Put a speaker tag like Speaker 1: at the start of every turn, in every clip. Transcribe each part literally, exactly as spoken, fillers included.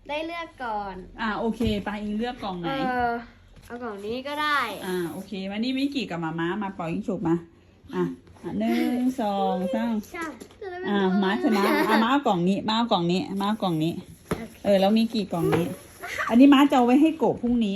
Speaker 1: ได้เลือกก่อน
Speaker 2: อ่าโอเคไปอิงเลือกกล่องไห
Speaker 1: เอน อเอากล่องนี้ก็ได้
Speaker 2: อ่าโอเคมานี่มิกิกับมาม้ามาปล่อยยิงฉุบมาอ่ะอ่ะหนึ่งสองสาม
Speaker 1: ใช่
Speaker 2: อ่าม้าชนะอ่ะม้าเอากล่องนี้ม้าเอากล่องนี้ม้าเอากล่องนี้ เออแล้วมีกี่กล่องนี้ อันนี้ม้าจะเอาไว้ให้โกะพรุ่งนี้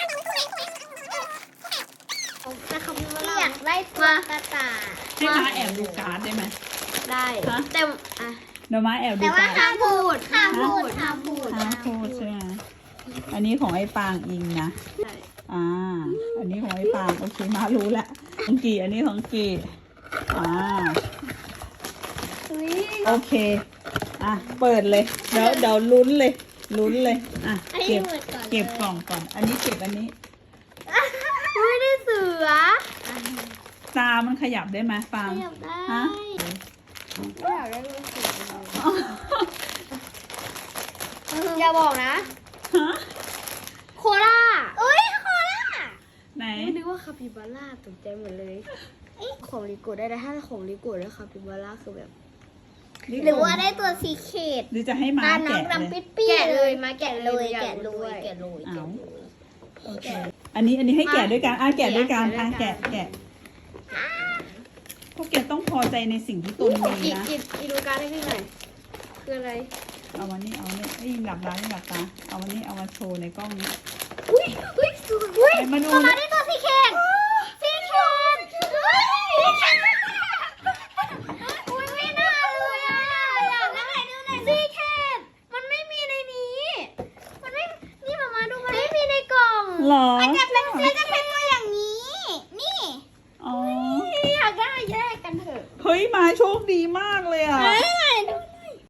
Speaker 1: แต่คำว่า
Speaker 3: อยากได้ตัวกระต่าย
Speaker 2: ให้ม้าแอบดูการ์ดได้ไหม
Speaker 1: ได้
Speaker 2: ฮะ
Speaker 1: แต่อ่ะ
Speaker 2: เดี๋ยวม้าแอบดู
Speaker 3: แต่ว่า
Speaker 2: การ์ด
Speaker 3: ห้ามพูดห้ามพูดห้ามพูด
Speaker 2: ห้ามพูดใช่ไหมอันนี้ของไอ้ปางอิงนะ
Speaker 1: ใช่
Speaker 2: อ่า อันนี้ของไอ้ปางโอเคม้ารู้ละของกีอันนี้ของกีอ่า
Speaker 1: อุ้ย
Speaker 2: โอเค อ่ะ เปิดเลย เดี๋ยวเดี๋ยวลุ้นเลย ลุ้นเลย อ่ะ
Speaker 3: อันนี้
Speaker 2: เก็บ
Speaker 3: หมดก่อน
Speaker 2: เก็บกล่องก่อน อันนี้เก็บอันนี้
Speaker 1: อุ้ยได้เสือ
Speaker 2: ตามันขยับได้ไหมฟา
Speaker 1: ข
Speaker 2: ง
Speaker 1: ยับได้
Speaker 2: ฮะ
Speaker 1: ไม่อยากได้รู้สึกอย่าบอกนะ
Speaker 2: ฮะ
Speaker 1: โคล่า
Speaker 3: อุ้ยโคล่า
Speaker 2: ไหน
Speaker 1: ไม่นึกว่าคาปิบาร่าตกใจหมดเลยของลิโกะได้แต่ถ้าของลิโกะแล้วคาปิบาร่าคือแบบ
Speaker 3: หรือว่าได้ตัวสีเขต
Speaker 2: หรือจะให้ม้า
Speaker 3: ตาน้อง
Speaker 2: แกะ
Speaker 3: ดำ
Speaker 2: เล
Speaker 3: ปิ
Speaker 2: ย
Speaker 3: ดปี้
Speaker 1: แกะเลยมาแกะ
Speaker 3: แกะ
Speaker 1: เล
Speaker 3: เลย ย
Speaker 1: อยาก
Speaker 3: แกะ
Speaker 1: รู้
Speaker 3: เล
Speaker 1: ด้วย
Speaker 3: ยแกะเลย
Speaker 2: เอา
Speaker 3: แกะเลย
Speaker 2: โอเค อันนี้อันนี้ให้แกะด้วยกัน อ่ะแกะด้วยกัน
Speaker 1: แกะ
Speaker 2: อ่ะ
Speaker 1: ด้วยกัน
Speaker 2: แกะแกะพวกแกต้องพอใจในสิ่งที่ตนมี
Speaker 1: อี
Speaker 2: นะ
Speaker 1: อีอีดูการ์ดให้พี่หน่อยคืออะไร
Speaker 2: เอาวันนี้เอาเนี่ยไอ้ยหลับตาไม่หลับตา เอาวันนี้เอามาโชว์ในกล้องนี้
Speaker 3: อุ้ยอุ้ยอุ้ย
Speaker 2: ไปมาดู
Speaker 3: มา
Speaker 2: นะ
Speaker 3: ได้ตัวสีเขตสีเขตอุ้ยสีเขตอุ้ยไม่น่าเลยอ่ะอยากได้ดูหน่อยสีเขตมันไม่มีในนี้ มันไม่นี่มามาดูมันไม่มีในกล่อง
Speaker 2: หรอ
Speaker 3: มันจะเป็นมันจะเป็นตัวอย่างนี้ นี่
Speaker 2: อ๋อ
Speaker 3: อยากได้แยกกันเถอะ
Speaker 2: เฮ้ยมาโชคดีมากเลยอ่ะ
Speaker 3: เฮ้ย